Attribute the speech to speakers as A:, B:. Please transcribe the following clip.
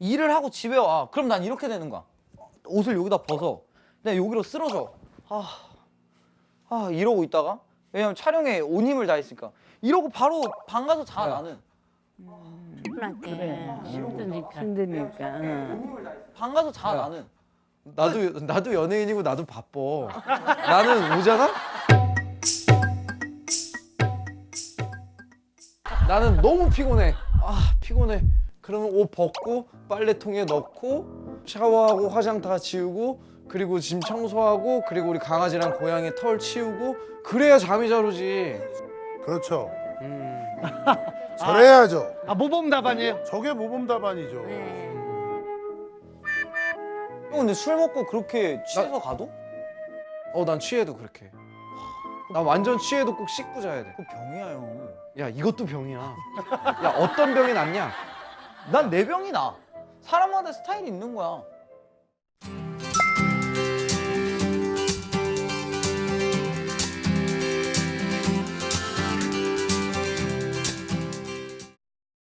A: 일을 하고 집에 와. 그럼 난 이렇게 되는 거야. 옷을 여기다 벗어. 내가 여기로 쓰러져. 이러고 있다가 왜냐면 촬영에 온 힘을 다했으니까 이러고 바로 방 가서 자 나는.
B: 그래. 힘드니까.
A: 방 가서 자 나는.
C: 나도 연예인이고 나도 바빠. 나는 오잖아? 나는 너무 피곤해. 피곤해. 그러면 옷 벗고 빨래통에 넣고 샤워하고 화장 다 지우고 그리고 짐 청소하고 그리고 우리 강아지랑 고양이 털 치우고 그래야 잠이 잘 오지.
D: 그렇죠. 잘해야죠.
E: 모범 답안이에요.
D: 저게 모범 답안이죠.
A: 형 근데 술 먹고 그렇게 취해서 가도?
C: 난 취해도 그렇게. 나 완전 취해도 꼭 씻고 자야 돼.
A: 그 병이야 형.
C: 야 이것도 병이야. 야 어떤 병이 낫냐?
A: 난 내 병이 나. 사람마다 스타일이 있는 거야.